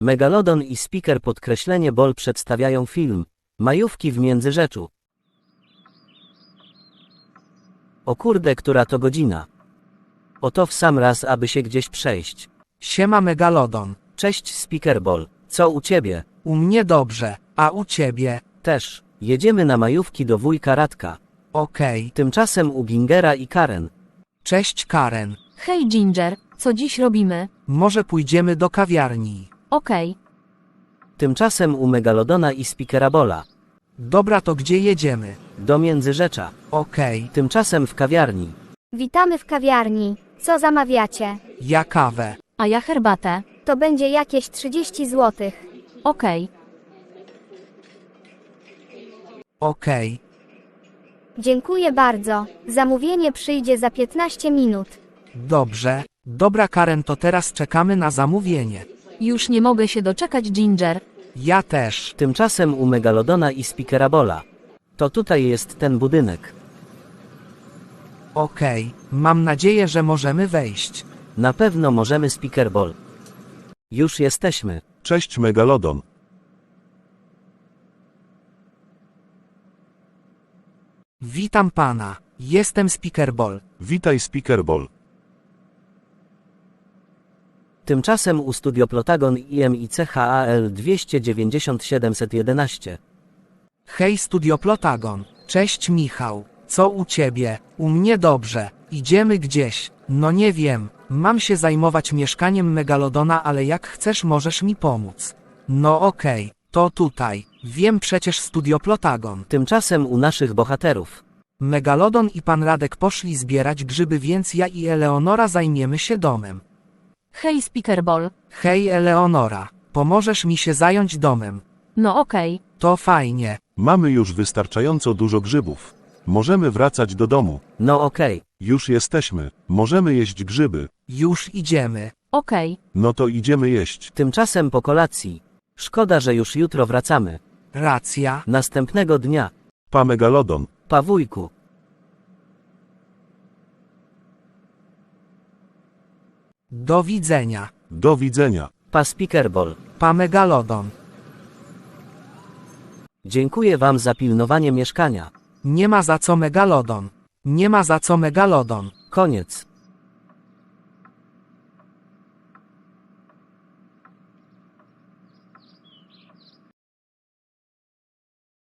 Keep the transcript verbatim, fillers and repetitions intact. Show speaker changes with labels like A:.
A: Megalodon i Speaker podkreślenie Ball przedstawiają film Majówki w Międzyrzeczu. O kurde, która to godzina. Oto w sam raz, aby się gdzieś przejść.
B: Siema Megalodon.
A: Cześć Speaker Ball. Co u ciebie?
B: U mnie dobrze, a u ciebie?
A: Też. Jedziemy na majówki do wujka Radka.
B: Okej.
A: Tymczasem u Gingera i Karen.
B: Cześć Karen.
C: Hej Ginger, co dziś robimy?
B: Może pójdziemy do kawiarni?
C: Okej.
A: Tymczasem u Megalodona i Speakera Balla.
B: Dobra, to gdzie jedziemy?
A: Do Międzyrzecza.
B: Okej.
A: Tymczasem w kawiarni.
D: Witamy w kawiarni. Co zamawiacie?
B: Ja kawę.
C: A ja herbatę.
D: To będzie jakieś trzydzieści złotych.
C: Okej.
B: Okej.
D: Dziękuję bardzo. Zamówienie przyjdzie za piętnaście minut.
B: Dobrze. Dobra Karen, to teraz czekamy na zamówienie.
C: Już nie mogę się doczekać Ginger.
B: Ja też.
A: Tymczasem u Megalodona i Speakera Balla. To tutaj jest ten budynek.
B: Okej. Mam nadzieję, że możemy wejść.
A: Na pewno możemy Speaker Ball. Już jesteśmy.
E: Cześć Megalodon.
B: Witam pana. Jestem Speaker Ball.
E: Witaj Speaker Ball.
A: Tymczasem u Studio Plotagon I M I C H A L dwieście dziewięćdziesiąt siedem jedenaście.
B: Hej Studio Plotagon. Cześć Michał. Co u ciebie? U mnie dobrze. Idziemy gdzieś. No nie wiem. Mam się zajmować mieszkaniem Megalodona, ale jak chcesz, możesz mi pomóc. No okej. To tutaj. Wiem przecież Studio Plotagon.
A: Tymczasem u naszych bohaterów.
B: Megalodon i pan Radek poszli zbierać grzyby, więc ja i Eleonora zajmiemy się domem.
C: Hej Speaker Ball.
B: Hej Eleonora. Pomożesz mi się zająć domem.
C: No okej.
B: To fajnie.
E: Mamy już wystarczająco dużo grzybów. Możemy wracać do domu.
A: No okej.
E: Już jesteśmy. Możemy jeść grzyby.
B: Już idziemy.
C: Okej.
E: No to idziemy jeść.
A: Tymczasem po kolacji. Szkoda, że już jutro wracamy.
B: Racja.
A: Następnego dnia.
E: Pa Megalodon.
A: Pa wujku.
B: Do widzenia.
E: Do widzenia.
A: Pa Speaker Ball.
B: Pa Megalodon.
A: Dziękuję wam za pilnowanie mieszkania.
B: Nie ma za co Megalodon. Nie ma za co Megalodon.
A: Koniec.